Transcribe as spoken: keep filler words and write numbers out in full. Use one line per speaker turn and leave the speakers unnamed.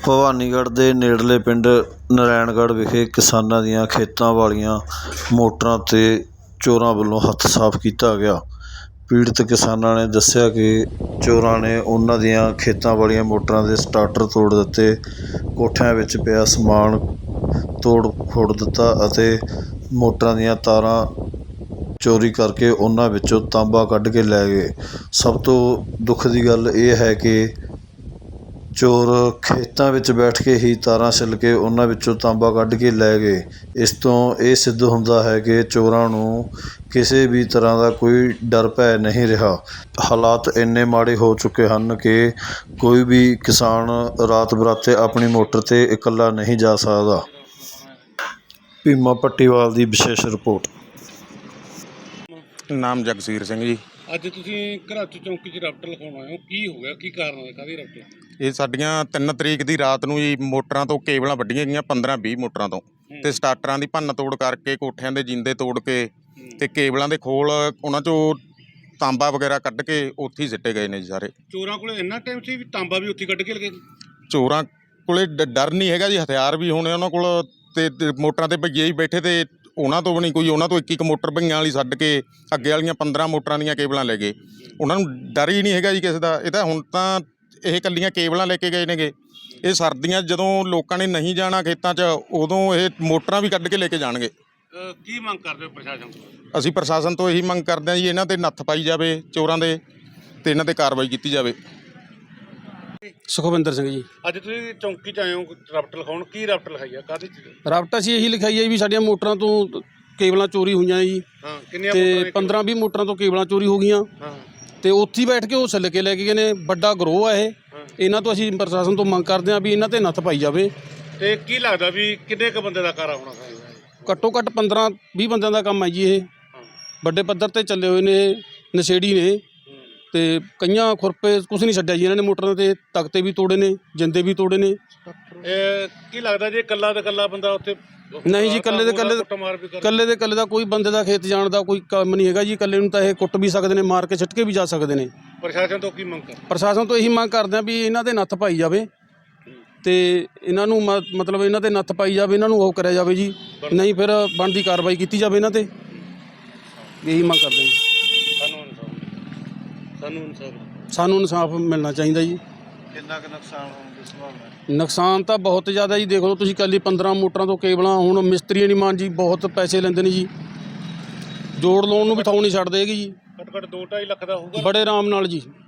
ਭਵਾਨੀਗੜ੍ਹ ਦੇ ਨੇੜਲੇ ਪਿੰਡ ਨਰੈਣਗੜ੍ਹ ਵਿਖੇ ਕਿਸਾਨਾਂ ਦੀਆਂ ਖੇਤਾਂ ਵਾਲੀਆਂ ਮੋਟਰਾਂ 'ਤੇ ਚੋਰਾਂ ਵੱਲੋਂ ਹੱਥ ਸਾਫ਼ ਕੀਤਾ ਗਿਆ। ਪੀੜਤ ਕਿਸਾਨਾਂ ਨੇ ਦੱਸਿਆ ਕਿ ਚੋਰਾਂ ਨੇ ਉਹਨਾਂ ਦੀਆਂ ਖੇਤਾਂ ਵਾਲੀਆਂ ਮੋਟਰਾਂ ਦੇ ਸਟਾਰਟਰ ਤੋੜ ਦਿੱਤੇ, ਕੋਠਿਆਂ ਵਿੱਚ ਪਿਆ ਸਮਾਨ ਤੋੜ ਫੋੜ ਦਿੱਤਾ ਅਤੇ ਮੋਟਰਾਂ ਦੀਆਂ ਤਾਰਾਂ ਚੋਰੀ ਕਰਕੇ ਉਹਨਾਂ ਵਿੱਚੋਂ ਤਾਂਬਾ ਕੱਢ ਕੇ ਲੈ ਗਏ। ਸਭ ਤੋਂ ਦੁੱਖ ਦੀ ਗੱਲ ਇਹ ਹੈ ਕਿ ਚੋਰ ਖੇਤਾਂ ਵਿੱਚ ਬੈਠ ਕੇ ਹੀ ਤਾਰਾਂ ਛਿੱਲ ਕੇ ਉਹਨਾਂ ਵਿੱਚੋਂ ਤਾਂਬਾ ਕੱਢ ਕੇ ਲੈ ਗਏ। ਇਸ ਤੋਂ ਇਹ ਸਿੱਧ ਹੁੰਦਾ ਹੈ ਕਿ ਚੋਰਾਂ ਨੂੰ ਕਿਸੇ ਵੀ ਤਰ੍ਹਾਂ ਦਾ ਕੋਈ ਡਰ ਭੈ ਨਹੀਂ ਰਿਹਾ। ਹਾਲਾਤ ਇੰਨੇ ਮਾੜੇ ਹੋ ਚੁੱਕੇ ਹਨ ਕਿ ਕੋਈ ਵੀ ਕਿਸਾਨ ਰਾਤ ਬਰਾਤੇ ਆਪਣੀ ਮੋਟਰ 'ਤੇ ਇਕੱਲਾ ਨਹੀਂ ਜਾ ਸਕਦਾ। ਭੀਮਾ ਪੱਟੀਵਾਲ ਦੀ ਵਿਸ਼ੇਸ਼ ਰਿਪੋਰਟ।
ਨਾਮ ਜਗਸੀਰ ਸਿੰਘ ਜੀ।
ਅੱਜ ਤੁਸੀਂ ਘਰਾਚੂ ਚੌਂਕੀ 'ਚ ਰਫਟ ਲਿਖਾਉਣ ਆਏ ਹੋ, ਕੀ ਹੋ ਗਿਆ, ਕੀ ਕਾਰਨ ਹੈ, ਕਾਹਦੀ ਰਫਟ?
ਇਹ ਸਾਡੀਆਂ ਤਿੰਨ ਤਰੀਕ ਦੀ ਰਾਤ ਨੂੰ ਜੀ ਮੋਟਰਾਂ ਤੋਂ ਕੇਬਲਾਂ ਵੱਢੀਆਂ ਗਈਆਂ, ਪੰਦਰਾਂ ਵੀਹ ਮੋਟਰਾਂ ਤੋਂ, ਤੇ ਸਟਾਰਟਰਾਂ ਦੀ ਭੰਨ ਤੋੜ ਕਰਕੇ ਕੋਠਿਆਂ ਦੇ ਜਿੰਦੇ ਤੋੜ ਕੇ ਤੇ ਕੇਬਲਾਂ ਦੇ ਖੋਲ ਉਹਨਾਂ 'ਚੋਂ ਤਾਂਬਾ ਵਗੈਰਾ ਕੱਢ ਕੇ ਉੱਥੇ ਹੀ ਸਿੱਟੇ ਗਏ ਨੇ ਜੀ ਸਾਰੇ।
ਚੋਰਾਂ ਕੋਲ ਇੰਨਾ ਟਾਈਮ ਸੀ ਵੀ ਤਾਂਬਾ ਵੀ ਉੱਥੇ ਕੱਢ ਕੇ ਲਗੇ?
ਚੋਰਾਂ ਕੋਲੇ ਡ- ਡਰ ਨਹੀਂ ਹੈਗਾ ਜੀ, ਹਥਿਆਰ ਵੀ ਹੋਣੇ ਉਹਨਾਂ ਕੋਲ, ਤੇ ਤੇ ਮੋਟਰਾਂ 'ਤੇ ਭਈਏ ਹੀ ਬੈਠੇ, ਤੇ ਉਹਨਾਂ ਤੋਂ ਵੀ ਨਹੀਂ ਕੋਈ, ਉਹਨਾਂ ਤੋਂ ਇੱਕ ਇੱਕ ਮੋਟਰ ਭਈਆਂ ਵਾਲੀ ਛੱਡ ਕੇ ਅੱਗੇ ਵਾਲੀਆਂ ਪੰਦਰਾਂ ਮੋਟਰਾਂ ਦੀਆਂ ਕੇਬਲਾਂ ਲੈ ਗਏ। ਉਹਨਾਂ ਨੂੰ ਡਰ ਹੀ ਨਹੀਂ ਹੈਗਾ ਜੀ ਕਿਸੇ ਦਾ। ਇਹ ਤਾਂ ਹੁਣ ਤਾਂ ਇਹ ਇਕੱਲੀਆਂ ਕੇਬਲਾਂ ਲੈ ਕੇ ਗਏ ਨੇਗੇ। ਇਹ ਸਰਦੀਆਂ ਜਦੋਂ ਲੋਕਾਂ ਨੇ ਨਹੀਂ ਜਾਣਾ ਖੇਤਾਂ 'ਚ, ਉਦੋਂ ਇਹ ਮੋਟਰਾਂ ਵੀ ਕੱਢ ਕੇ ਲੈ ਕੇ ਜਾਣਗੇ।
ਕੀ ਮੰਗ ਕਰਦੇ ਹੋ ਪ੍ਰਸ਼ਾਸਨ ਤੋਂ?
ਅਸੀਂ ਪ੍ਰਸ਼ਾਸਨ ਤੋਂ ਇਹੀ ਮੰਗ ਕਰਦੇ ਹਾਂ ਜੀ, ਇਹਨਾਂ 'ਤੇ ਨੱਥ ਪਾਈ ਜਾਵੇ ਚੋਰਾਂ ਦੇ, ਤੇ ਇਹਨਾਂ 'ਤੇ ਕਾਰਵਾਈ ਕੀਤੀ ਜਾਵੇ।
ਸੁਖਵਿੰਦਰ ਸਿੰਘ ਜੀ।
ਅੱਜ ਤੁਸੀਂ ਚੌਂਕੀ 'ਚ ਆਏ ਹੋ ਰਫਟ ਲਿਖਾਉਣ, ਕੀ ਰਫਟ ਲਿਖਾਈ ਆ, ਕਾਹਦੀ ਚੀਜ਼?
ਰਫਟ ਅਸੀਂ ਇਹੀ ਲਿਖਾਈ ਹੈ ਵੀ ਸਾਡੀਆਂ ਮੋਟਰਾਂ ਤੋਂ ਕੇਬਲਾਂ ਚੋਰੀ ਹੋਈਆਂ ਜੀ,
ਹਾਂ, ਕਿੰਨੀਆਂ
ਤੇ
ਮੋਟਰਾਂ?
ਪੰਦਰਾਂ ਵੀਹ ਮੋਟਰਾਂ ਤੋਂ ਕੇਬਲਾਂ ਚੋਰੀ ਹੋ ਗਈਆਂ,
ਹਾਂ,
ਤੇ ਉੱਥੇ ਹੀ ਬੈਠ ਕੇ ਉਹ ਛਿੱਲ ਕੇ ਲੈ ਕੇ ਗਏ ਨੇ। ਵੱਡਾ ਗਰੋਹ ਆ ਇਹ। ਇਹਨਾਂ ਤੋਂ ਅਸੀਂ ਪ੍ਰਸ਼ਾਸਨ ਤੋਂ ਮੰਗ ਕਰਦੇ ਹਾਂ ਵੀ ਇਹਨਾਂ 'ਤੇ ਨੱਥ ਪਾਈ ਜਾਵੇ।
ਤੇ ਕੀ ਲੱਗਦਾ ਵੀ ਕਿੰਨੇ ਕੁ ਬੰਦੇ ਦਾ ਕਾਰਾ ਹੋਣਾ ਚਾਹੀਦਾ?
ਘੱਟੋ ਘੱਟ ਪੰਦਰਾਂ ਵੀਹ ਬੰਦਿਆਂ ਦਾ ਕੰਮ ਹੈ ਜੀ ਇਹ। ਵੱਡੇ ਪੱਧਰ 'ਤੇ ਚੱਲੇ ਹੋਏ ਨੇ, ਇਹ ਨਸ਼ੇੜੀ ਨੇ, ਤੇ ਕਈਆਂ ਖੁਰਪੇ ਕੁਛ ਨਹੀਂ ਛੱਡਿਆ ਜੀ ਇਹਨਾਂ ਨੇ। ਮੋਟਰਾਂ 'ਤੇ ਤਖਤੇ ਵੀ ਤੋੜੇ ਨੇ, ਜਿੰਦੇ ਵੀ ਤੋੜੇ ਨੇ।
ਇਹ ਕੀ ਲੱਗਦਾ ਜੇ ਇਕੱਲਾ ਤੇ ਇਕੱਲਾ ਬੰਦਾ ਉੱਥੇ?
ਨਹੀਂ ਜੀ, ਇਕੱਲੇ ਦੇ ਇਕੱਲੇ ਇਕੱਲੇ ਦੇ ਇਕੱਲੇ ਦਾ ਕੋਈ ਬੰਦੇ ਦਾ ਖੇਤ ਜਾਣ ਦਾ ਕੋਈ ਕੰਮ ਨਹੀਂ ਹੈਗਾ ਜੀ। ਇਕੱਲੇ ਨੂੰ ਤਾਂ ਇਹ ਕੁੱਟ ਵੀ ਸਕਦੇ ਨੇ, ਮਾਰ ਕੇ ਸਿੱਟ ਕੇ ਵੀ ਜਾ ਸਕਦੇ ਨੇ।
ਪ੍ਰਸ਼ਾਸਨ ਤੋਂ ਕੀ ਮੰਗ ਕਰ?
ਪ੍ਰਸ਼ਾਸਨ ਤੋਂ ਇਹੀ ਮੰਗ ਕਰਦੇ ਹਾਂ ਵੀ ਇਹਨਾਂ 'ਤੇ ਨੱਥ ਪਾਈ ਜਾਵੇ, ਤੇ ਇਹਨਾਂ ਨੂੰ ਮ ਮਤਲਬ ਇਹਨਾਂ 'ਤੇ ਨੱਥ ਪਾਈ ਜਾਵੇ, ਇਹਨਾਂ ਨੂੰ ਉਹ ਕਰਿਆ ਜਾਵੇ ਜੀ, ਨਹੀਂ ਫਿਰ ਬਣਦੀ ਕਾਰਵਾਈ ਕੀਤੀ ਜਾਵੇ ਇਹਨਾਂ 'ਤੇ। ਇਹੀ ਮੰਗ ਕਰਦੇ ਹਾਂ ਜੀ।
ਸਾਨੂੰ ਇਨਸਾਫ ਸਾਨੂੰ ਇਨਸਾਫ
ਸਾਨੂੰ ਇਨਸਾਫ ਮਿਲਣਾ ਚਾਹੀਦਾ ਜੀ।
ਕਿੰਨਾ ਕੁ ਨੁਕਸਾਨ ਹੋਣ ਦੀ ਸੰਭਾਵਨਾ?
ਨੁਕਸਾਨ ਤਾਂ ਬਹੁਤ ਜ਼ਿਆਦਾ ਜੀ। ਦੇਖ ਲਓ ਤੁਸੀਂ, ਇਕੱਲੀ ਪੰਦਰਾਂ ਮੋਟਰਾਂ ਤੋਂ ਕੇਬਲਾਂ। ਹੁਣ ਮਿਸਤਰੀ ਨਹੀਂ ਮਾਨ ਜੀ, ਬਹੁਤ ਪੈਸੇ ਲੈਂਦੇ ਨੇ ਜੀ, ਜੋੜ ਲਾਉਣ ਨੂੰ ਵੀ ਥਾਂ ਨਹੀਂ ਛੱਡਦੇ ਹੈਗੇ ਜੀ।
ਘੱਟ ਘੱਟ ਦੋ ਢਾਈ ਲੱਖ ਦਾ ਹੋਊਗਾ
ਬੜੇ ਆਰਾਮ ਨਾਲ ਜੀ।